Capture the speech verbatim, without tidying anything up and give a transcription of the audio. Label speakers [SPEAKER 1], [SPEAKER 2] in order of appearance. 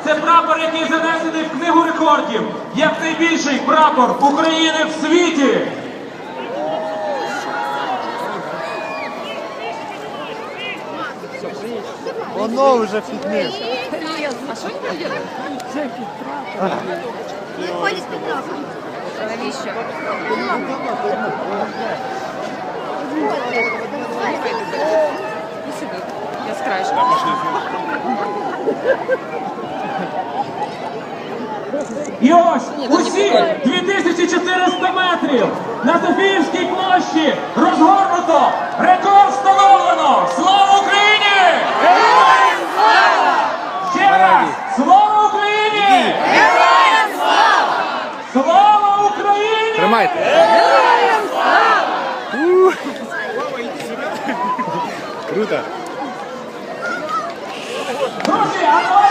[SPEAKER 1] Це прапор, який занесений в книгу рекордів, як найбільший прапор України в світі.
[SPEAKER 2] Воно вже фітнес.
[SPEAKER 3] А що він робить?
[SPEAKER 4] Виходить під прапором.
[SPEAKER 3] Навіщо? І сюди. Я з краєшку.
[SPEAKER 1] І ось усі дві тисячі чотириста метрів на Софіївській площі розгорнуто, рекорд встановлено! Слава Україні! Героям слава! Ще раз! Слава Україні! Героям слава! Слава Україні!
[SPEAKER 2] Тримайте.
[SPEAKER 3] Героям слава!
[SPEAKER 2] Круто.
[SPEAKER 1] Друзі, а давайте